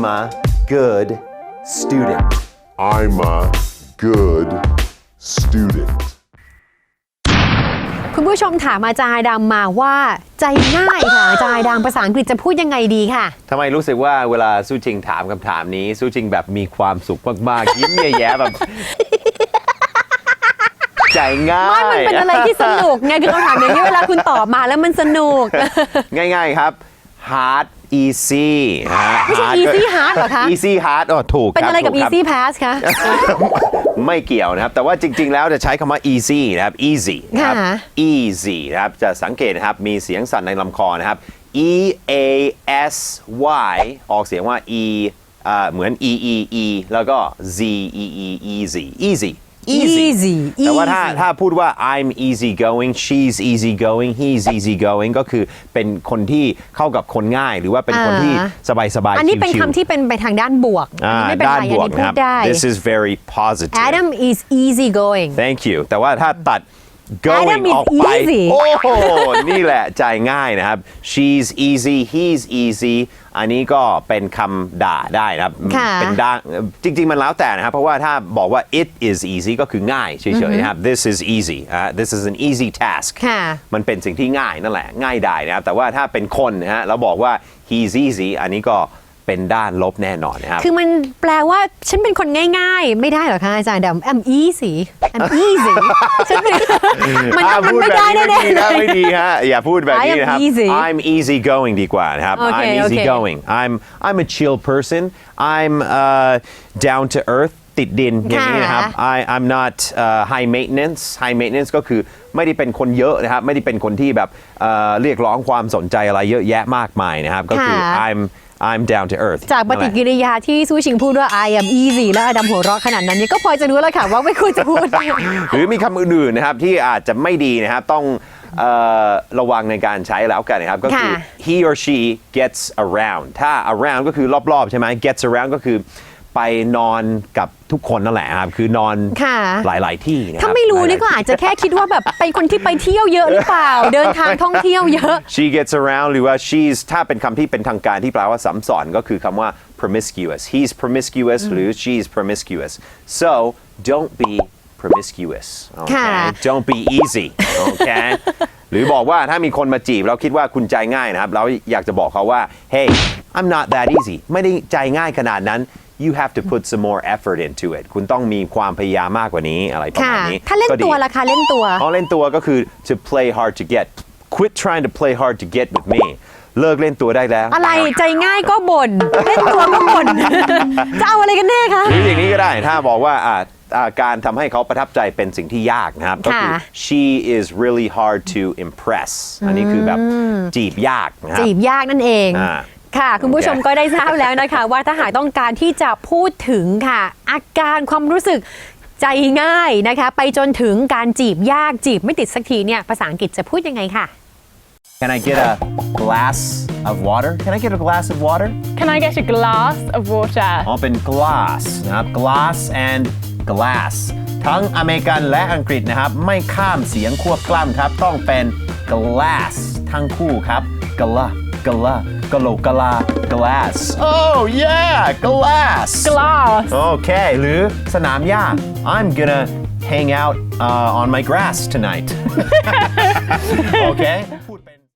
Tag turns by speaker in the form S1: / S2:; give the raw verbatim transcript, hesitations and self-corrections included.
S1: a good student
S2: I'm a good student
S3: คุณผู้ชมถามอาจารย์ดำมาว่าใจง่ายค่ะอาจารย์ดำภาษาอังกฤษจะพูดยังไงดีค่ะ
S1: ทำไมรู้สึกว่าเวลาสู้จริงถามคำถามนี้สู้จริงแบบมีความสุขมากๆยิ้มแย้ๆแบบใจง่าย
S3: ไม่มันเป็นอะไรที่สนุกไงคือคำถามอย่างนี้เวลาคุณตอบมาแล้วมันสนุก
S1: ง่ายๆครับ hard easy
S3: ไม่ใช่ easy hard เหรอคะ
S1: easy hard อ๋อถูกครับ
S3: เป็นอะไรกับ easy pass คะ
S1: ไม่เกี่ยวนะครับแต่ว่าจริงๆแล้วจะใช้คำว่า easy นะครับ easy นะครับ easy นะครับจะสังเกตนะครับมีเสียงสั่นในลำคอนะครับ e a s y ออกเสียงว่า e อ่าเหมือน e e e แล้วก็ z e e easy easy
S3: easy
S1: แต่ว่าถ้าถ้าพูดว่า I'm easy going she's easy going he's easy going ก็คือเป็นคนที่เข้ากับคนง่ายหรือว่าเป็นคนที่สบายสบาย
S3: อันนี้เป็นคำที่เป็นไปทางด้านบวกไม่เป็นไรอันนี้พูดได้
S1: This is very positive
S3: Adam is easy going
S1: Thank you แต่ว่าถ้าตัด going ออกไปโอ้โหนี่แหละใจง่ายนะครับ she's easy he's easy อันนี้ก็เป็นคำด่าได้นะครับเป็นด่าจริงๆมันแล้วแต่นะครับเพราะว่าถ้าบอกว่า it is easy ก็คือง่ายเฉยๆนะครับ this is easy uh, this is an easy task มันเป็นสิ่งที่ง่ายนั่นแหละง่ายได้นะครับแต่ว่าถ้าเป็นคนนะฮะแล้วบอกว่า he's easy อันนี้ก็เป็นด้านลบแน่นอนนะครับ
S3: คือมันแปลว่าฉันเป็นคนง่ายๆไม่ได้หรอคะอาจารย์ดำ I'm easy I'm easy ฉันเป็นมันมันไม่ได้แน่ๆ
S1: ไม่ดีฮะอย่าพูดแบบนี้นะครับ I'm easy going ดีกว่านะครับ I'm easy going I'm I'm a chill person I'm uh, down to earth ติดดินอย่างนี้นะครับ I I'm not uh, high maintenance high maintenance ก็คือไม่ได้เป็นคนเยอะนะครับไม่ได้เป็นคนที่แบบเรียกร้องความสนใจอะไรเยอะแยะมากมายนะครับก็คือ I'm I'm down to earth
S3: จากปฏิกิริยาที่ซูชิงพูดว่า I am easy แล้วอดัมหัวเราะขนาดนั้นเนี่ยก็พอจะรู้แล้วค่ะว่าไม่ควรจะพูด
S1: หรือมีคำอื่นๆนะครับที่อาจจะไม่ดีนะครับต้องระวังในการใช้แล้วกันนะครับก็คือ he or she gets around ถ้า around ก็คือรอบๆใช่ไหม gets around ก็คือไปนอนกับทุกคนนั่นแหละครับคือนอนหลายๆที่นะครับ
S3: ถ้าไม่รู้นี่ก็อาจจะแค่คิดว่าแบบเป็นคนที่ไปเที่ยวเยอะหรือเปล่าเดินทางท่องเที่ยวเยอะ
S1: she gets around หรือว่า she's ถ้าเป็นคำที่เป็นทางการที่แปลว่าซ้ำซ้อนก็คือคำว่า promiscuous he's promiscuous หรือ she's promiscuous so don't be promiscuous okay don't be easy okay หรือบอกว่าถ้ามีคนมาจีบแล้วคิดว่าคุณใจง่ายนะครับเราอยากจะบอกเขาว่า hey I'm not that easy ไม่ได้ใจง่ายขนาดนั้นyou have to put some more effort into it คุณต้องมีความพยายามมากกว่านี้อะไรประมาณนี้
S3: ถ้าเล่นตัวล่ะคะเล่นตัว
S1: อ๋อเล่นตัวก็คือ to play hard to get quit trying to play hard to get with me เลิกเล่นตัวได้แล้ว
S3: อะไรใจง่ายก็บ่นเล่นตัวก็บ่นจะเอาอะไรกันแน่คะ
S1: หรืออย่างนี้ก็ได้ถ้าบอกว่าการทำให้เขาประทับใจเป็นสิ่งที่ยากนะครับก็คือ she is really hard to impress อันนี้คือแบบจีบยากนะครับ
S3: จีบยากนั่นเองค่ะคุณผู้ชมก็ได้ทราบแล้วนะคะว่าถ้าหากต้องการที่จะพูดถึงค่ะอาการความรู้สึกใจง่ายนะคะไปจนถึงการจีบยากจีบไม่ติดสักทีเนี่ยภาษาอังกฤษจะพูดยังไงค่ะ
S1: Can I get a glass of water? Can I get a glass of water?
S4: Can I get a glass of water?
S1: อ๋อเป็น glass นะครับ glass and glass ทั้งอเมริกันและอังกฤษนะครับไม่ข้ามเสียงควบกล้ำครับต้องเป็น glass ทั้งคู่ครับ gla gla galo gala glass oh yeah glass
S4: glass
S1: okay หรือสนามหญ้า I'm gonna hang out uh, on my grass tonight okay